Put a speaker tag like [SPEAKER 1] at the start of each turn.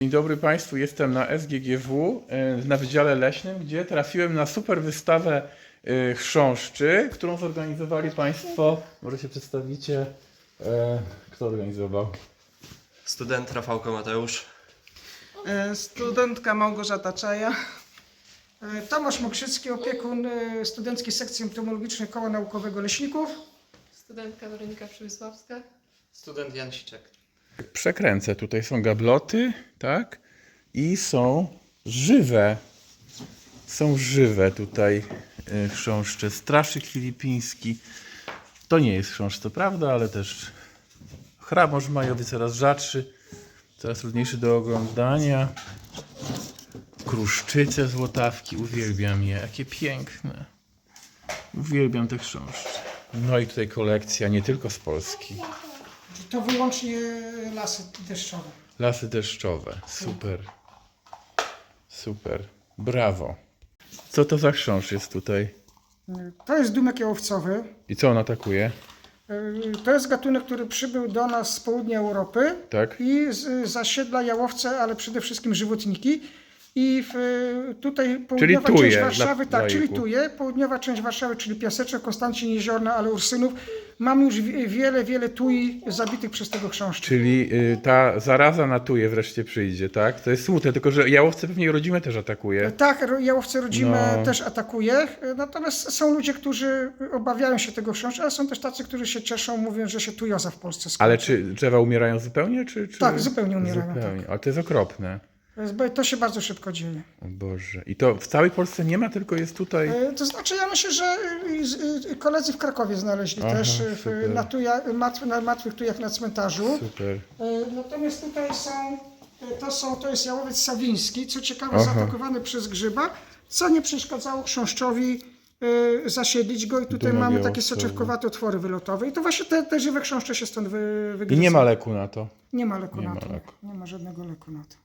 [SPEAKER 1] Dzień dobry Państwu, jestem na SGGW na Wydziale Leśnym, gdzie trafiłem na super wystawę chrząszczy, którą zorganizowali Państwo. Może się przedstawicie, kto organizował?
[SPEAKER 2] Student Rafałko Mateusz.
[SPEAKER 3] Studentka Małgorzata Czaja. Tomasz Mokrzycki, opiekun Studenckiej Sekcji Entomologicznej Koła Naukowego Leśników.
[SPEAKER 4] Studentka Weronika Przemysławska.
[SPEAKER 2] Student Jan Siczek.
[SPEAKER 1] Przekręcę, tutaj są gabloty, tak? I są żywe. Są żywe tutaj chrząszcze. Straszyk filipiński. To nie jest chrząszcz, to prawda, ale też chrabąszcz majowy coraz rzadszy, coraz trudniejszy do oglądania. Kruszczyce złotawki, uwielbiam je, jakie piękne. Uwielbiam te chrząszcze. No i tutaj kolekcja nie tylko z Polski.
[SPEAKER 3] To wyłącznie lasy deszczowe.
[SPEAKER 1] Lasy deszczowe, super. Super, brawo. Co to za chrząszcz jest tutaj?
[SPEAKER 3] To jest dumek jałowcowy.
[SPEAKER 1] I co on atakuje?
[SPEAKER 3] To jest gatunek, który przybył do nas z południa Europy
[SPEAKER 1] Tak?
[SPEAKER 3] i zasiedla jałowce, ale przede wszystkim żywotniki. I tutaj południowa
[SPEAKER 1] Tuje
[SPEAKER 3] część Warszawy,
[SPEAKER 1] dla
[SPEAKER 3] czyli
[SPEAKER 1] laików.
[SPEAKER 3] Tuje, południowa część Warszawy, czyli Piaseczek, Konstancin, Jeziorna, ale Ursynów. Mamy już wiele tui zabitych przez tego chrząszcza.
[SPEAKER 1] Czyli ta zaraza na tuje wreszcie przyjdzie, tak? To jest smutne, tylko że jałowce pewnie rodzime też atakuje.
[SPEAKER 3] Tak, jałowce rodzime
[SPEAKER 1] No.
[SPEAKER 3] też atakuje, natomiast są ludzie, którzy obawiają się tego chrząszcza, ale są też tacy, którzy się cieszą, mówią, że się tujoza w Polsce skończy.
[SPEAKER 1] Ale czy drzewa umierają zupełnie? Czy...
[SPEAKER 3] Tak, zupełnie umierają,
[SPEAKER 1] Zupełnie. Ale to jest okropne.
[SPEAKER 3] To się bardzo szybko dzieje.
[SPEAKER 1] O Boże. I to w całej Polsce nie ma, tylko jest tutaj...
[SPEAKER 3] To znaczy, ja myślę, że koledzy w Krakowie znaleźli
[SPEAKER 1] Aha,
[SPEAKER 3] też
[SPEAKER 1] super.
[SPEAKER 3] na martwych tujach na cmentarzu.
[SPEAKER 1] Super.
[SPEAKER 3] Natomiast tutaj to jest jałowiec sawiński, co ciekawe,
[SPEAKER 1] Aha.
[SPEAKER 3] zaatakowany przez grzyba, co nie przeszkadzało chrząszczowi zasiedlić go i tutaj
[SPEAKER 1] Dumek
[SPEAKER 3] mamy takie
[SPEAKER 1] jałowcowy.
[SPEAKER 3] soczewkowate otwory wylotowe i to właśnie te żywe chrząszcze się stąd
[SPEAKER 1] I
[SPEAKER 3] wygryzą.
[SPEAKER 1] nie ma leku na to.
[SPEAKER 3] Nie ma leku
[SPEAKER 1] Nie
[SPEAKER 3] na
[SPEAKER 1] ma
[SPEAKER 3] to.
[SPEAKER 1] leku.
[SPEAKER 3] Nie ma żadnego leku na to.